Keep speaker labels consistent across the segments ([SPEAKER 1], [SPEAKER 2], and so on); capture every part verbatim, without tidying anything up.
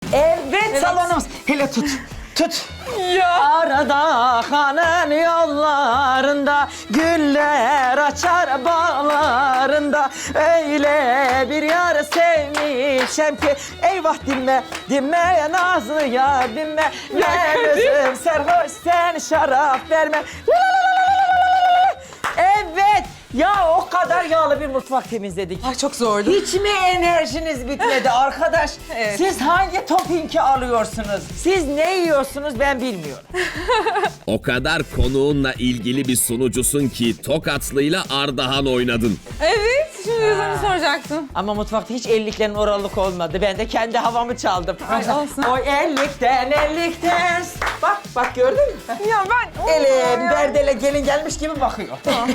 [SPEAKER 1] Evet,
[SPEAKER 2] Evet.
[SPEAKER 1] salonumuz. Hele tut. Tut.
[SPEAKER 2] Ya.
[SPEAKER 1] Arada hanın yollarında güller açar bağlarında öyle bir yar sevmişem ki eyvah dinme dinme nazlı ya dinme ben özüm sarhoş sen şarap verme. La la la la la la. Evet ya o kadar yağlı bir mutfak temizledik.
[SPEAKER 2] Ay çok zordu.
[SPEAKER 1] Hiç mi enerjiniz bitmedi arkadaş?
[SPEAKER 2] Evet.
[SPEAKER 1] Siz hangi toppingi alıyorsunuz? Siz ne yiyorsunuz ben bilmiyorum.
[SPEAKER 3] O kadar konuğunla ilgili bir sunucusun ki Tokatlı'yla Ardahan oynadın.
[SPEAKER 2] Evet, şimdi yüzünü soracaktım.
[SPEAKER 1] Ama mutfakta hiç elliklerin oralık olmadı. Ben de kendi havamı çaldım.
[SPEAKER 2] Ay, olsun.
[SPEAKER 1] O ellikten ellikten. Bak bak gördün mü?
[SPEAKER 2] Ya ben...
[SPEAKER 1] Elim
[SPEAKER 2] Ya.
[SPEAKER 1] derdele gelin gelmiş gibi bakıyor.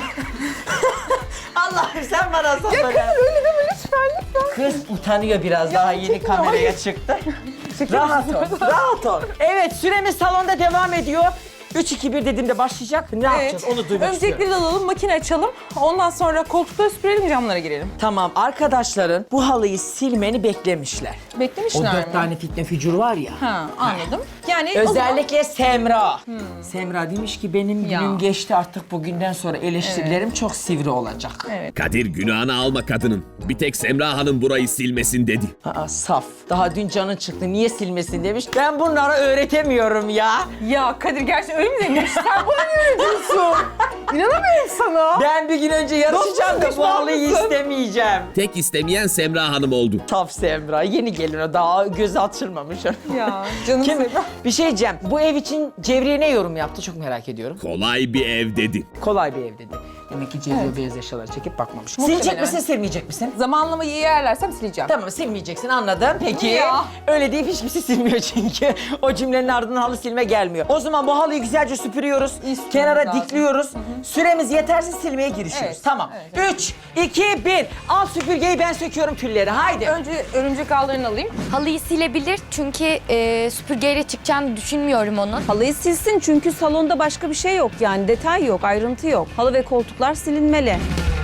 [SPEAKER 1] Allah'ım sen bana sabır
[SPEAKER 2] Ya
[SPEAKER 1] ver.
[SPEAKER 2] Kadir öyle deme lütfen lütfen.
[SPEAKER 1] Kız utanıyor biraz daha yeni
[SPEAKER 2] çekin,
[SPEAKER 1] kameraya
[SPEAKER 2] hayır.
[SPEAKER 1] çıktı. Rahat ol, rahat ol. Evet süremiz salonda devam ediyor. üç iki bir dediğimde başlayacak. Ne yapacağız onu duymak istiyorum.
[SPEAKER 2] Öncelikleri alalım, makine açalım. Ondan sonra koltukları süpürelim, camlara girelim.
[SPEAKER 1] Tamam arkadaşların bu halıyı silmeni beklemişler. O
[SPEAKER 2] Beklemişler
[SPEAKER 1] dört
[SPEAKER 2] mi?
[SPEAKER 1] tane fitne fücur var ya.
[SPEAKER 2] Ha, anladım. Yani o zaman-
[SPEAKER 1] Özellikle Semra. Semra demiş ki benim
[SPEAKER 2] Ya.
[SPEAKER 1] günüm geçti artık bugünden sonra eleştirilerim çok sivri olacak.
[SPEAKER 2] Evet.
[SPEAKER 3] Kadir günahını alma kadının. Bir tek Semra Hanım burayı silmesin dedi.
[SPEAKER 1] Aa, saf. Daha dün canın çıktı niye silmesin demiş. Ben bunlara öğretemiyorum ya.
[SPEAKER 2] Ya Kadir gerçekten öyle mi demiş? Sen bana ne öyle diyorsun? İnanamıyorum sana.
[SPEAKER 1] Ben bir gün önce yarışacağım da
[SPEAKER 2] Dostum,
[SPEAKER 1] bu halıyı
[SPEAKER 2] pişman mısın?
[SPEAKER 1] istemeyeceğim.
[SPEAKER 3] Tek istemeyen Semra Hanım oldu.
[SPEAKER 1] Saf Semra. Yeni gelin o daha göz açılmamış.
[SPEAKER 2] Ya canım
[SPEAKER 1] Kim?
[SPEAKER 2] Semra.
[SPEAKER 1] Bir şey diyeceğim. Bu ev için Cevriye ne yorum yaptı çok merak ediyorum.
[SPEAKER 3] Kolay bir ev dedi.
[SPEAKER 1] Kolay bir ev dedi. Demek ki Cevriye beyaz eşyaları çekip bakmamış.
[SPEAKER 2] Muhtemelen.
[SPEAKER 1] Silecek misin, silmeyecek misin?
[SPEAKER 2] Zamanlamayı iyi ayarlarsam sileceğim.
[SPEAKER 1] Tamam silmeyeceksin anladım. Peki
[SPEAKER 2] Ya.
[SPEAKER 1] öyle deyip hiç kimse silmiyor çünkü. O cümlenin ardından halı silme gelmiyor. O zaman bu halıyı güzelce süpürüyoruz.
[SPEAKER 2] İstiyoruz
[SPEAKER 1] Kenara
[SPEAKER 2] lazım.
[SPEAKER 1] dikliyoruz. Süremiz yeterse silmeye girişiyoruz.
[SPEAKER 2] Evet,
[SPEAKER 1] Tamam.
[SPEAKER 2] evet,
[SPEAKER 1] Üç, iki, bir. Al süpürgeyi ben söküyorum tülleri. Haydi.
[SPEAKER 2] Önce örümcek ağlarını alayım.
[SPEAKER 4] Halıyı silebilir çünkü e, süpürgeyle çıkacağını düşünmüyorum onun.
[SPEAKER 5] Halıyı silsin çünkü salonda başka bir şey yok yani detay yok, ayrıntı yok. Halı ve koltuklar silinmeli.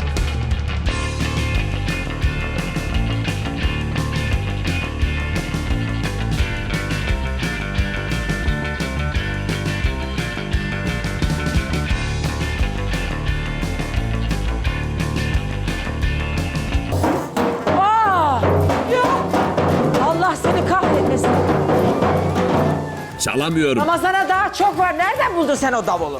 [SPEAKER 1] Aa! Ya! Allah seni kahretmesin.
[SPEAKER 3] Çalamıyorum.
[SPEAKER 1] Ramazana daha çok var. Nereden buldun sen o davulu?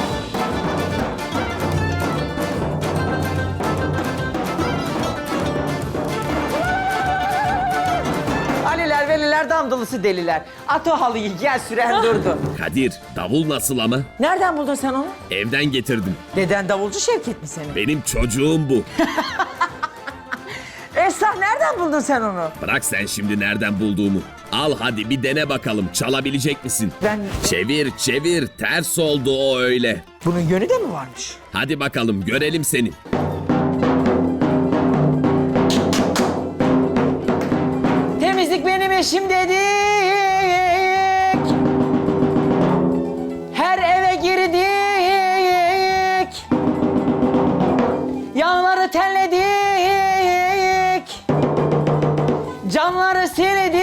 [SPEAKER 1] Aliler, veliler, damdılısı deliler. At o halıyı, gel süren durdu.
[SPEAKER 3] Kadir davul nasıl ama?
[SPEAKER 1] Nereden buldun sen onu?
[SPEAKER 3] Evden getirdim.
[SPEAKER 1] Deden davulcu Şevket mi senin?
[SPEAKER 3] Benim çocuğum bu.
[SPEAKER 1] Esra nereden buldun sen onu?
[SPEAKER 3] Bırak sen şimdi nereden bulduğumu. Al hadi bir dene bakalım çalabilecek misin?
[SPEAKER 1] Ben...
[SPEAKER 3] Çevir çevir ters oldu o öyle.
[SPEAKER 1] Bunun yönü de mi varmış?
[SPEAKER 3] Hadi bakalım görelim seni.
[SPEAKER 1] Temizlik benim işim dedik. Her eve girdik. Yanları telledik. Camları sildik.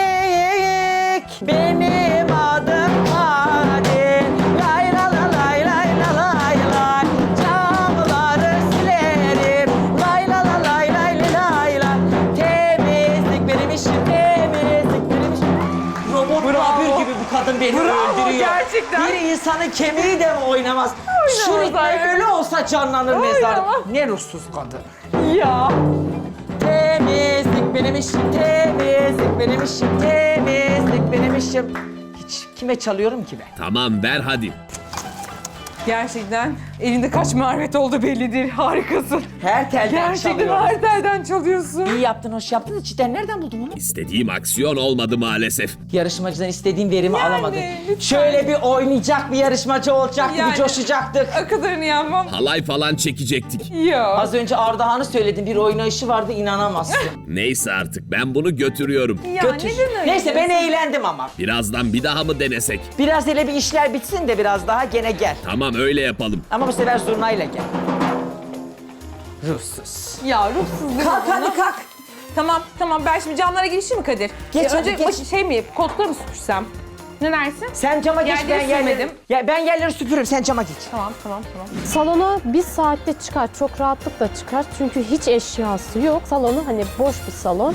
[SPEAKER 1] Benim adım Kadir. Lay la la lay lay la lay lay. Camları silerim. Lay la la lay lay lay lay. Temizlik benim işim. Temizlik benim işim. Robot Bravo. gibi bu kadın beni
[SPEAKER 2] Bravo,
[SPEAKER 1] öldürüyor.
[SPEAKER 2] gerçekten.
[SPEAKER 1] Bir insanın kemiği de mi oynamaz? Şu
[SPEAKER 2] Oynamaz
[SPEAKER 1] ritme
[SPEAKER 2] arkadaş.
[SPEAKER 1] ölü olsa canlanır mezar.
[SPEAKER 2] Oynamaz.
[SPEAKER 1] Ne ruhsuz kadın.
[SPEAKER 2] Ya.
[SPEAKER 1] Temizlik benim işim, temizlik benim işim, temizlik benim işim. Hiç kime çalıyorum ki ben?
[SPEAKER 3] Tamam ver hadi.
[SPEAKER 2] Gerçekten elinde kaç marifet oldu bellidir. Harikasın.
[SPEAKER 1] Her telden
[SPEAKER 2] Gerçekten
[SPEAKER 1] çalıyorum.
[SPEAKER 2] her telden çalıyorsun.
[SPEAKER 1] İyi yaptın, hoş yaptın da cidden nereden buldun bunu?
[SPEAKER 3] İstediğim aksiyon olmadı maalesef.
[SPEAKER 1] Yarışmacıdan istediğin verimi
[SPEAKER 2] Yani,
[SPEAKER 1] alamadın.
[SPEAKER 2] lütfen.
[SPEAKER 1] Şöyle bir oynayacak bir yarışmacı olacaktı,
[SPEAKER 2] Yani.
[SPEAKER 1] bir coşacaktık.
[SPEAKER 2] O kadarını yapmam.
[SPEAKER 3] Halay falan çekecektik.
[SPEAKER 2] Ya.
[SPEAKER 1] Az önce Ardahan'ı söyledim, bir oynayışı vardı inanamazsın.
[SPEAKER 3] Neyse artık ben bunu götürüyorum.
[SPEAKER 2] Ya
[SPEAKER 1] Götür.
[SPEAKER 2] neden öyle?
[SPEAKER 1] Neyse ben eğlendim ama.
[SPEAKER 3] Birazdan bir daha mı denesek?
[SPEAKER 1] Biraz hele bir işler bitsin de biraz daha gene gel.
[SPEAKER 3] Tamam öyle yapalım.
[SPEAKER 1] Ama bu sefer zurnayla gel. Ruhsuz.
[SPEAKER 2] Ya ruhsuz değil mi
[SPEAKER 1] Kalk
[SPEAKER 2] bana?
[SPEAKER 1] hadi kalk.
[SPEAKER 2] Tamam tamam ben şimdi camlara girişeyim mi Kadir?
[SPEAKER 1] Geç
[SPEAKER 2] Ya
[SPEAKER 1] hadi,
[SPEAKER 2] önce
[SPEAKER 1] geç.
[SPEAKER 2] baş- şey mi koltukları mı süpürsem? Ne dersin?
[SPEAKER 1] Sen cama geç,
[SPEAKER 2] Yerleri
[SPEAKER 1] ben yerleri,
[SPEAKER 2] sürmedim.
[SPEAKER 1] ya ben yerleri süpürürüm, sen cama geç.
[SPEAKER 2] Tamam tamam tamam.
[SPEAKER 6] Salona bir saatte çıkar, çok rahatlıkla çıkar. Çünkü hiç eşyası yok. Salonu hani boş bir salon.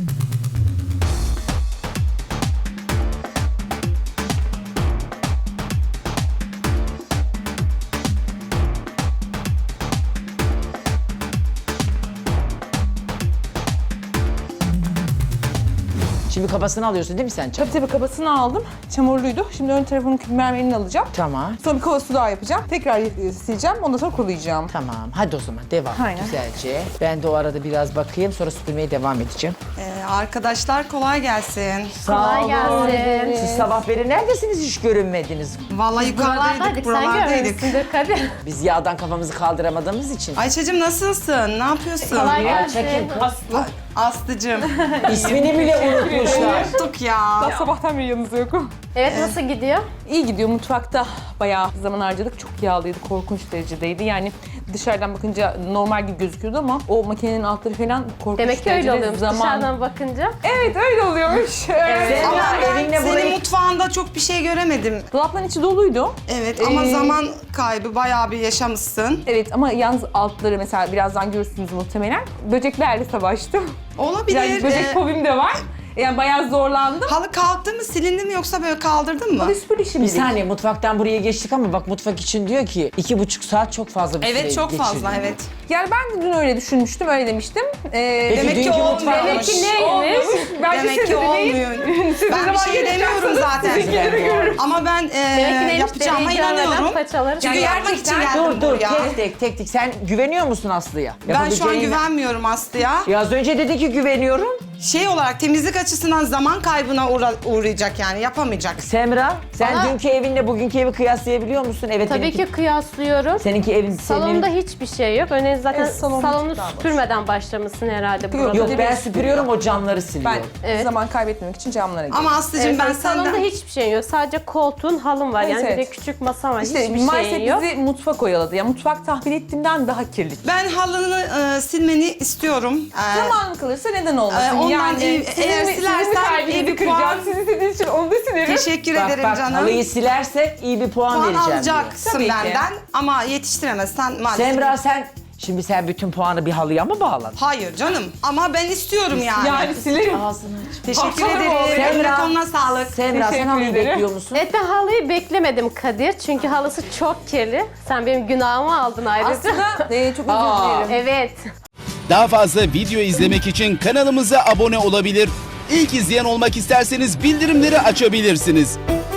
[SPEAKER 1] Şimdi kafasını alıyorsun değil mi sen?
[SPEAKER 2] Tabii tabii kabasını aldım. Çamurluydu. Şimdi ön tarafının mermerini alacağım.
[SPEAKER 1] Tamam.
[SPEAKER 2] Sonra bir kova su daha yapacağım. Tekrar e, sileceğim. Ondan sonra kurulayacağım.
[SPEAKER 1] Tamam, hadi o zaman devam
[SPEAKER 2] Aynen.
[SPEAKER 1] güzelce. Ben de o arada biraz bakayım, sonra süpürmeye devam edeceğim.
[SPEAKER 7] Ee, arkadaşlar kolay gelsin.
[SPEAKER 1] Sağ olun.
[SPEAKER 6] gelsin.
[SPEAKER 1] Siz sabah beri neredesiniz, hiç görünmediniz.
[SPEAKER 7] Vallahi yukarıdaydık, buralardaydık.
[SPEAKER 6] Kadir.
[SPEAKER 1] Biz yağdan kafamızı kaldıramadığımız için.
[SPEAKER 7] Ayça'cığım nasılsın? Ne yapıyorsun?
[SPEAKER 6] Kolay gelsin.
[SPEAKER 1] Çekin kaslı.
[SPEAKER 7] Aslı'cığım.
[SPEAKER 1] İsmini bile unutmuşlar.
[SPEAKER 7] Unuttuk ya.
[SPEAKER 2] Daha sabahtan beri yanınızda yokum.
[SPEAKER 6] Evet nasıl gidiyor?
[SPEAKER 2] İyi gidiyor. Mutfakta bayağı zaman harcadık. Çok yağlıydı. Korkunç derecedeydi. Yani dışarıdan bakınca normal gibi gözüküyordu ama o makinenin altları falan korkunç
[SPEAKER 6] Demek ki öyle
[SPEAKER 2] derecede
[SPEAKER 6] oluyormuş
[SPEAKER 2] zaman.
[SPEAKER 6] dışarıdan bakınca.
[SPEAKER 2] Evet öyle oluyormuş. Evet.
[SPEAKER 1] Sen
[SPEAKER 7] Ama
[SPEAKER 1] ya
[SPEAKER 7] ben
[SPEAKER 1] evinle
[SPEAKER 7] senin
[SPEAKER 1] burayı...
[SPEAKER 7] mutfağında çok bir şey göremedim.
[SPEAKER 2] Dolapların içi doluydu.
[SPEAKER 7] Evet ama
[SPEAKER 2] Ee,
[SPEAKER 7] zaman kaybı bayağı bir yaşamışsın.
[SPEAKER 2] Evet ama yalnız altları mesela birazdan görürsünüz muhtemelen. Böceklerle savaştım.
[SPEAKER 7] Olabilir.
[SPEAKER 2] Yani böcek
[SPEAKER 7] Ee,
[SPEAKER 2] fobim de var. Yani bayağı zorlandım.
[SPEAKER 7] halı kalktı mı, silindi mi yoksa böyle kaldırdın mı?
[SPEAKER 2] Ama süpür
[SPEAKER 1] Bir
[SPEAKER 2] şimdi.
[SPEAKER 1] saniye, mutfaktan buraya geçtik ama bak mutfak için diyor ki iki buçuk saat çok fazla bir süre
[SPEAKER 7] Evet çok fazla
[SPEAKER 1] geçirdim.
[SPEAKER 7] evet.
[SPEAKER 2] Yani ben de dün öyle düşünmüştüm, öyle demiştim. Ee,
[SPEAKER 1] Peki
[SPEAKER 7] Demek ki
[SPEAKER 1] dünkü
[SPEAKER 7] olmuyor.
[SPEAKER 1] mutfak...
[SPEAKER 2] Demek ki neymiş? Bence
[SPEAKER 7] Demek
[SPEAKER 2] siz
[SPEAKER 7] ki
[SPEAKER 2] de deneyin.
[SPEAKER 7] olmuyor.
[SPEAKER 2] Siz
[SPEAKER 7] Ben
[SPEAKER 2] de
[SPEAKER 7] bir şey demiyorum zaten.
[SPEAKER 2] sizinkileri görürüm.
[SPEAKER 7] Ama ben e,
[SPEAKER 6] Demek ki neymiş?
[SPEAKER 7] yapacağıma
[SPEAKER 6] Deneyi görmeden
[SPEAKER 7] inanıyorum.
[SPEAKER 6] paçaları
[SPEAKER 7] Çünkü
[SPEAKER 2] Yani
[SPEAKER 7] yapmak için
[SPEAKER 2] gerçekten-
[SPEAKER 7] geldim
[SPEAKER 1] Dur dur,
[SPEAKER 7] buraya.
[SPEAKER 1] tek tek tek tek. Sen güveniyor musun Aslı'ya?
[SPEAKER 7] Ben şu an
[SPEAKER 1] Yapabileceğine-
[SPEAKER 7] güvenmiyorum Aslı'ya.
[SPEAKER 1] Ya az önce dedi ki güveniyorum.
[SPEAKER 7] Şey olarak temizlik açısından zaman kaybına uğra- uğrayacak yani yapamayacak.
[SPEAKER 1] Semra, sen
[SPEAKER 6] Bana-
[SPEAKER 1] dünkü evinle bugünkü evi kıyaslayabiliyor musun? Evet.
[SPEAKER 6] Tabii
[SPEAKER 1] benimki-
[SPEAKER 6] ki kıyaslıyorum.
[SPEAKER 1] Seninki evin... senin
[SPEAKER 6] Salonda
[SPEAKER 1] evin-
[SPEAKER 6] hiçbir şey yok. Öyle zaten
[SPEAKER 2] Evet, salon
[SPEAKER 6] salonu
[SPEAKER 2] bir tık daha boş.
[SPEAKER 6] süpürmeden başlamışsın herhalde burada.
[SPEAKER 1] Yok
[SPEAKER 2] Bir
[SPEAKER 1] ben
[SPEAKER 2] de
[SPEAKER 1] süpürüyorum, o camları
[SPEAKER 2] Ben
[SPEAKER 1] siliyorum.
[SPEAKER 6] Evet.
[SPEAKER 2] zaman kaybetmemek için camlara girdim.
[SPEAKER 7] Ama Aslı'cığım
[SPEAKER 6] Evet,
[SPEAKER 7] ben
[SPEAKER 6] salonda
[SPEAKER 7] senden...
[SPEAKER 6] hiçbir şey yok. Sadece koltuğun, halın var.
[SPEAKER 2] Evet,
[SPEAKER 6] yani bir
[SPEAKER 2] evet.
[SPEAKER 6] de küçük masam var.
[SPEAKER 2] İşte
[SPEAKER 6] Hiçbir
[SPEAKER 2] maalesef
[SPEAKER 6] şeyin yok.
[SPEAKER 2] bizi mutfak oyaladı. Yani mutfak tahmin ettiğimden daha kirli.
[SPEAKER 7] Ben halını e, silmeni istiyorum. E,
[SPEAKER 2] Zaman kalırsa neden olmasın?
[SPEAKER 7] Ee, ondan
[SPEAKER 2] yani
[SPEAKER 7] iyi-
[SPEAKER 2] sizin
[SPEAKER 7] eğer
[SPEAKER 2] mi- sizin mi
[SPEAKER 7] silersen
[SPEAKER 2] kalbinizi
[SPEAKER 7] iyi bir
[SPEAKER 2] kıracağım?
[SPEAKER 7] puan-
[SPEAKER 2] Sizi istediğiniz için onu da silerim.
[SPEAKER 7] Teşekkür
[SPEAKER 1] Bak
[SPEAKER 7] ederim
[SPEAKER 1] bak,
[SPEAKER 7] canım.
[SPEAKER 1] halıyı silersek iyi bir puan,
[SPEAKER 7] Puan
[SPEAKER 1] vereceğim diyor.
[SPEAKER 7] alacaksın
[SPEAKER 2] Tabii ki.
[SPEAKER 7] benden ama yetiştiremezsen maalesef.
[SPEAKER 1] Semra sen, şimdi sen bütün puanı bir halıya mı bağladın?
[SPEAKER 7] Hayır canım ama ben istiyorum yani.
[SPEAKER 2] Yani silerim.
[SPEAKER 1] Ağzını aç.
[SPEAKER 7] Teşekkür
[SPEAKER 2] Baksana
[SPEAKER 7] ederim.
[SPEAKER 2] bu olayı.
[SPEAKER 7] Eline koluna sağlık.
[SPEAKER 1] Semra sen
[SPEAKER 2] Teşekkür
[SPEAKER 1] halıyı
[SPEAKER 2] ederim.
[SPEAKER 1] bekliyor musun?
[SPEAKER 6] Evet ben halıyı beklemedim Kadir. Çünkü halısı çok kirli. Sen benim günahımı aldın ayrıca.
[SPEAKER 2] Aslında e, çok özür
[SPEAKER 1] Aa.
[SPEAKER 2] dilerim.
[SPEAKER 6] Evet.
[SPEAKER 8] Daha fazla video izlemek için kanalımıza abone olabilir. İlk izleyen olmak isterseniz bildirimleri açabilirsiniz.